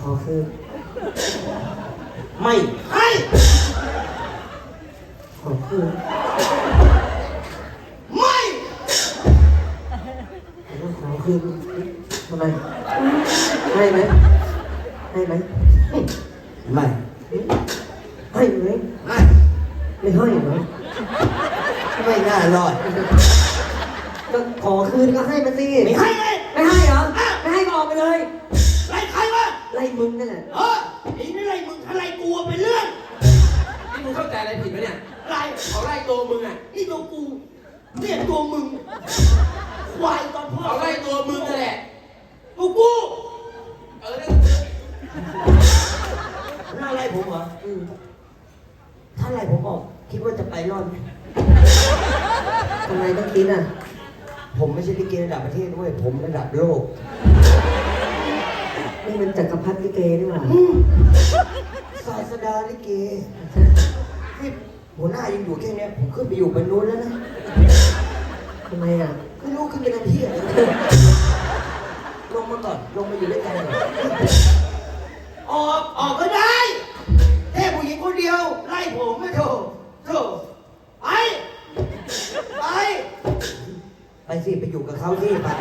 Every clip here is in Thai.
ขอคืนไม่ให้ขอคืนไม่ขอคืนทำไมให้ไหมให้ไหมไม่ให้ไหมไม่ไม่ให้เหรอไม่น่ารอดก็ขอคืนก็ให้มาสิไม่ให้เลยไม่ให้เหรอไม่ให้ก็ออกไปเลยไล่ใครวะไล่มึงนั่นแหละไอ้นี่ไล่มึงถ้าไล่กูเป็นเรื่องนี่มึงเข้าใจอะไรผิดไหมเนี่ยไล่เขาไล่ตัวมึงอ่ะนี่ตัวกูเนี่ยตัวมึงควายตอนพ่อเขาไล่ตัวมึงนั่นแหละตัวกูเออหน้าไล่ผมเหรอถ้าไล่ผมออกคิดว่าจะไปรอดไหมทำไมต้องคิดอ่ะผมไม่ใช่ลิเกระดับประเทศด้วยผมระดับโลกนี่มันจักรพรรดิลิเกนี่หว่าศาสดาลิเกนี่หัวหน้ายังอยู่แค่เนี้ยผมขึ้นไปอยู่บนนู้นแล้วนะทำไมอ่ะไม่รู้ขึ้นไปทำเที่ยอะไรลงมาก่อนลงมาอยู่ด้วยกันก่อนออกก็ได้แค่ผู้หญิงคนเดียวไล่ผมไม่โถไปไปไปสิไปอยู่กับเขาที่ไป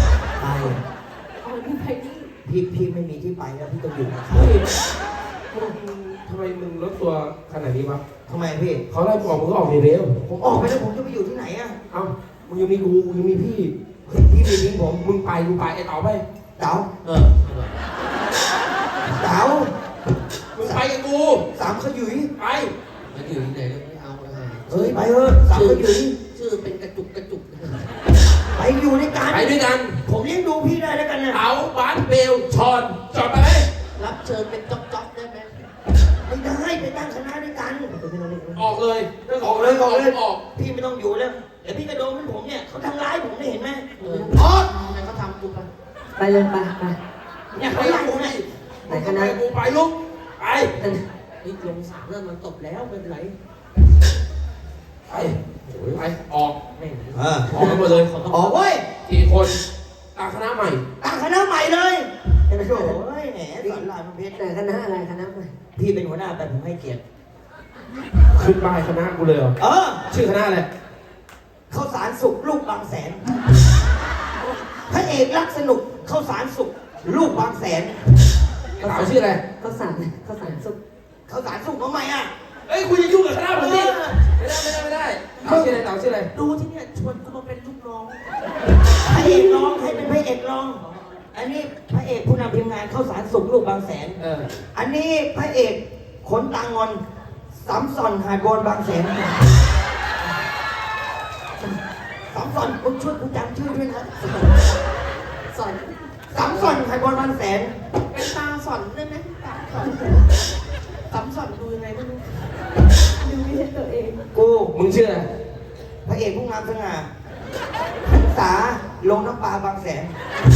พี่ไม่มีที่ไปแล้วพี่ต้องอยู่กับเขาเฮ้ยทำไมมึงลดตัวขนาดนี้วะทำไมพี่เขาไล่มึงออกมึงก็ออกเร็วผมออกไปแล้วผมจะไปอยู่ที่ไหนอ่ะเอ้ามึงยังมีกูยังมีพี่เฮ้ยพี่ไม่ทิ้งผมมึงไปกูไปไอ้เต๋าไปเต๋าเออเต๋ามึงไปกับกูสามขยุยไปมันอยู่ที่ไหนก็ไม่เอาอะเฮ้ยไปเถอะสามขยุยชื่อเป็นกระจุกกระจุกไปอยู่ในการไปด้วยกันผมเลี้ยงดูพี่ได้แล้วกันนะเต๋าบ้านเบลชอนจอดไปเลยรับเชิญเป็นจ๊อกจ๊อกได้ไหมไม่ได้ไปตั้งคณะด้วยกันออกเลยออกเลยออกเลยออกพี่ไม่ต้องอยู่แล้วเดี๋ยวพี่กระโดดเหมือนผมเนี่ยเขาทำร้ายผมได้เห็นไหมออกทำไมเขาทำกูไปไปเลยไปเนี่ยเขาไล่ผมเนี่ยไหนคณะไปกูไปลุกไปนี่ลงสามแล้วมันตบแล้วไม่เป็นไรไปโอ้ยไปออกแม่งออกกันหมดเลยออกเว้ยกี่คนตั้งคณะใหม่ตั้งคณะใหม่เลยโอ้ยแหมสอนรามเพชรแต่คณะอะไรคณะอะไรพี่เป็นหัวหน้าแต่ผมให้เกียรติขึ้นป้ายคณะกูเลยเหรอ ชื่อคณะอะไรข้าวสารสุกลูกบางแสนพระเอกรักสนุกข้าวสารสุกลูกบางแสนไอ้เต๋าชื่ออะไรข้าวสารซุปข้าวสารสุกทำไมอ่ะเอ้ยคุณจะยุ่งกับคณะผมสิไม่ได้เต๋าชื่ออะไรเต๋าชื่ออะไรดูที่เนี่ยชวนกูมาเป็นลูกน้องพระเอกร้องให้เป็นพระเอกร้อง อันนี้พระเอกผู้นำทีมงานข้าวสารสุกลูกบางแสน อันนี้พระเอกขนตางอนสามซอนหาดวอนบางแสนสามซอนคุณช่วยคุณจำชื่อด้วยนะสอนสามซอนหาดวอนบางแสนเป็นตาสอนได้ไหมตาสอนตำสอนดูยังไงไม่รู้ดูไม่ใช่ตัวเองกูมึงชื่ออะไรพระเอกผู้งามสง่าพรรษาลงน้ำปลาบางแสน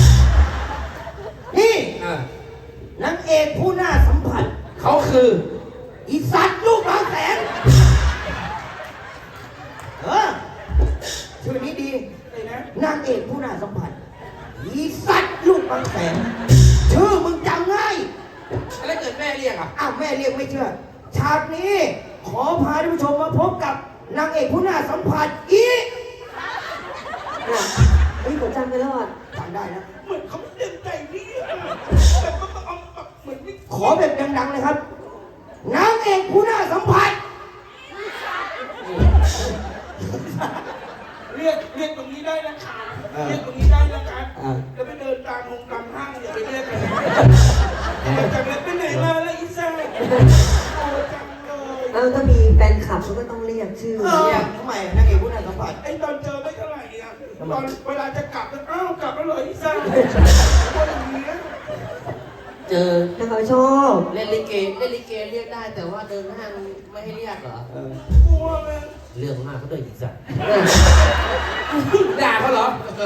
นี่อ่านางเอกผู้น่าสัมผัสเขาคืออีสัตว์ลูกบางแสนชื่อนี้ดีเลยนะนางเอกผู้น่าสัมผัสอีสัตว์ลูกบางแสนชื่อมึงจำง่ายแล้วเกิดแม่เรียกอ่ะอ้าวแม่เรียกไม่เชื่อฉากนี้ขอพาท่านผู้ชมมาพบกับนางเอกผู้น่าสัมผัสอีเฮ้ยผมจำไปแล้วอ่ะจำได้นะเหมือนเขาไม่เต็มใจนี่เหมือนไม่ขอแบบดังๆเลยครับนางเอกผู้น่าสัมผัสเรียกตรงนี้ได้นะเรียกตรงนี้ได้นะการจะไปเดินตามห้างอย่าไปเรียกเลยจากนั้นไปไหนมาแล้วอีซ่าโอ้จังเลยถ้ามีแฟนคลับเขาก็ต้องเรียกชื่อทำไมนางเอกผู้น่าสัมผัสไอ้ตอนเจอไม่เท่าไหร่อ่ะตอนเวลาจะกลับอ้าวกลับแล้วเลยอีซ่าคนอย่างนี้เจอถ้าเขาชอบเล่นลิเกเรียกได้แต่ว่าเดินห้างไม่ให้เรียกเหรอกลัวเลยเรื่องมากเขาด้วยอีกสัตว์ด่าเขาเหรอ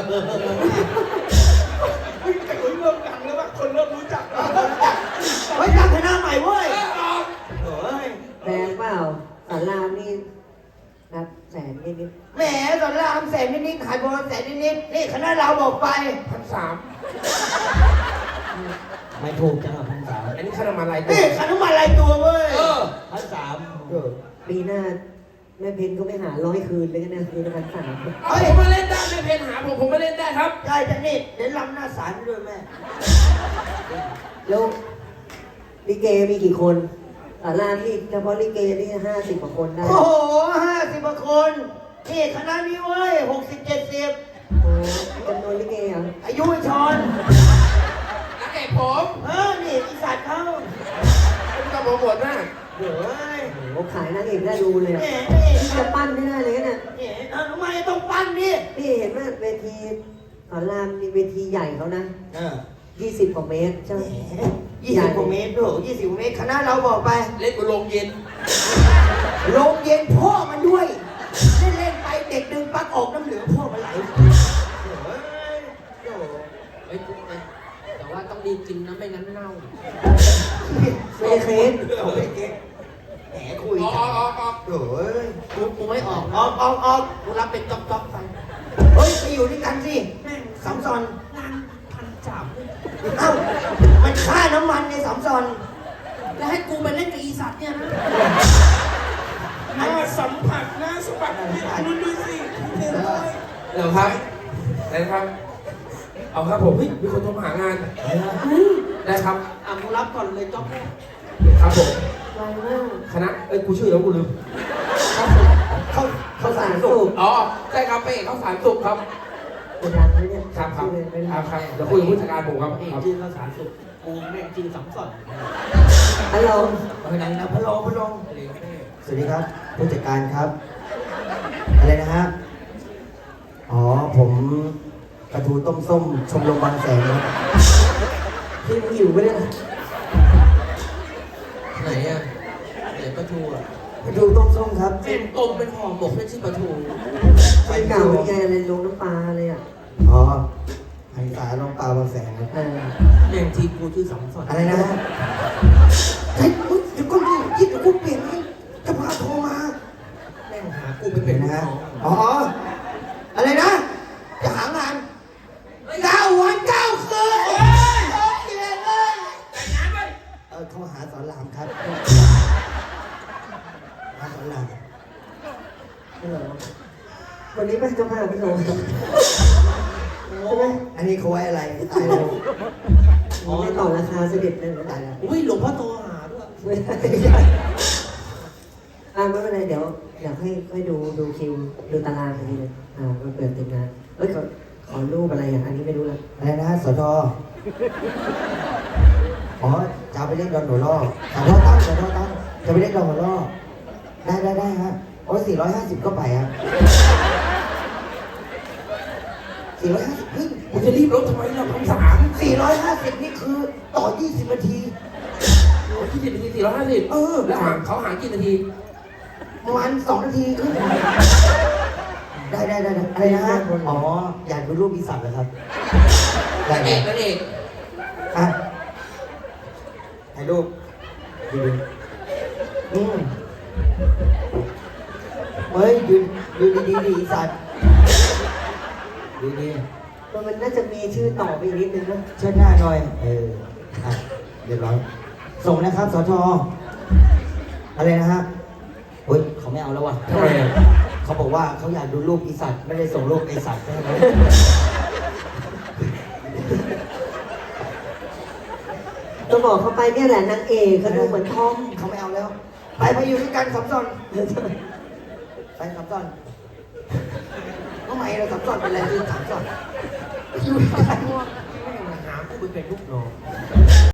แต่คนเริ่มดังแล้วว่าคนเริ่มรู้จักแล้วเฮ้ยตั้งคณะใหม่เว้ยเฮ้ยแพงเปล่าสารามนี่นับแสนนิดแหมตอนแรกแสนนิดๆขายบอลแสนนิดๆนี่คณะเราบอกไป 1,300 ไม่ถูกจังหวะพันสามนี่ค่าน้ำมันรายตัวนี่ค่าน้ำมันรายตัวเว้ย 1,300 ปีหน้าแม่เพนก็ไม่หา100 คืนเลยนะคืนละ1,300 ผมมาเล่นได้ไม่เพนหาผมมาเล่นได้ครับได้จังนี่เดี๋ยวรำหน้าศาลด้วยแม่แล้วลิเกมีกี่คนศาลาที่เฉพาะลิเกนี่50 กว่าคนได้โอ้โห50 กว่าคน นี่คณะนี้เว้ย60-70 โอ้จำนวนลิเกอ่ะอายุไอ้ชอนนักเอกผมนี่อีสัตว์เขาเป็นตำรวจหน้าเดี๋ยวเว้ยโอ้ขายนางเอกน่าดูเลยแหอ่ะมนี่ที่จะปั้นไม่ได้เลยนะทำไมต้องปั้นนี่นี่เห็นไหมเวทีสอนรามมีเวทีใหญ่เขานะ 20 กว่าเมตรใช่ไหม 20 กว่าเมตรด้วย20 กว่าเมตรคณะเราบอกไปเล่นกับโรงเย็นโรงเย็นพ่อมันด้วย เล่นไปเด็กดึงปลั๊กออกน้ำเหลืองพ่อมันไหลเฮ้ยแต่ว่าต้องรีบกินนะไม่งั้นเน่าไม่ได้เคสเอาไปเก๊กแหมคุยอกันอกโอ้ยกูไม่ออกออกกูรับเป็นจ๊อบไปเฮ้ยไปอยู่ด้วยกันสิแม่งสามซอนนานพันจับเอ้ามันค่าน้ำมันในสามซอนแล้วให้กูไปเล่นกับอีสัตว์เนี่ยนะหน้าสัมผัสหน้าสัมผัสนี่ดูสิเห็นเลยเดี๋ยวครับได้ครับ เอาครับผมมีคนโทรมาหางานได้ครับกูรับก่อนเลยจ๊อบครับผมไวมากคณะกูชื่อแล้วกูลืมเขาสารสุขอ๋อใช่ครับไปเอกเขาสารสุขครับเป็นดังเลยเนี่ยครับเป็นครับเดี๋ยวคุยกับผู้จัดการผมครับจีนภาษาสุดกูแม่งจีนสำสอนฮัลโหลอะไรนะพะโลสวัสดีครับ ผู้จัดการครับ อะไรนะฮะอ๋อผมปลาทูต้มส้มชมรมบางแสนครับพี่มึงหิวไปเนี่ยไหนอ่ะไหนปลาทูอ่ะปลาทูต้มส้มครับแม่งต้มเป็นห่อหมกไม่ใช่ปลาทูเป็นเก่าเป็นไงอะไรลงน้ำปลาเลยอ่ะอ๋อหันษาลงปลาบางแสนครับเออแม่งทีกูชื่อสำสอนอะไรนะฮะเฮ้ยเดี๋ยวก็ยิบเดี๋ยวกูเปลี่ยนให้จะพาโทรมาแม่งหากูไปเป็เป็น นนะลูกฮะน้องอ๋อ อะไรนะ จะหางาน9 วัน 9 คืนเขาหาสอนรามครับหาสอนรามไม่เหรอวันนี้เป็นเจ้าภาพพี่โหนใช่ไหมอันนี้เขาไว้อะไรตายแล้วอ๋อไม่ต่อราคาเสด็จเลยเหรอตายแล้วอุ้ยหลวงพ่อโตหาด้วยไม่ไม่เป็นไรเดี๋ยวค่อยดูคิวดูตารางกันทีนึงมันเปิดติดงานเอ้ยขอรูปอะไรอ่ะอันนี้ไม่รู้ละอะไรนะสทอ๋อจะเอาไปเล่นดอนหัวล่อสทตั้งจะไปเล่นดอนหัวล่อได้ฮะโอ้450ก็ไปครับ450เฮ้ยกูจะรีบรถทำไมล่ะ 450นี่คือต่อ20 นาที 20 นาที450แล้วเขาหากี่นาทีประมาณ2 นาทีครึ่งได้อะไรนะฮะอ๋ออยากดูรูปอีสัตว์เหรอครับได้นั่นเองอ่ะถ่ายรูปดูเฮ้ยดูดีๆดิอีสัตว์ดูดีมันน่าจะมีชื่อต่อไปอีกนิดนึงนะเชิดหน้าหน่อยอ่ะเรียบร้อยส่งนะครับสทอะไรนะฮะเฮ้ยเขาไม่เอาแล้วว่ะทำไมอ่ะเขาบอกว่าเขาอยากดูรูปอีสัตว์ไม่ได้ส่งรูปไอสัตว์ให้เขาต้องบอกเขาไปเนี่ยแหละนางเอกเขาดูเหมือนทอมเขาไม่เอาแล้ว ไปอยู่ด้วยกันสับซ้อนไปสับซ้อนทำไมเราสับซ้อนเป็นอะไรคือสับซ้อนอยู่ด้วยกันหากูไปเป็นลูกน้อง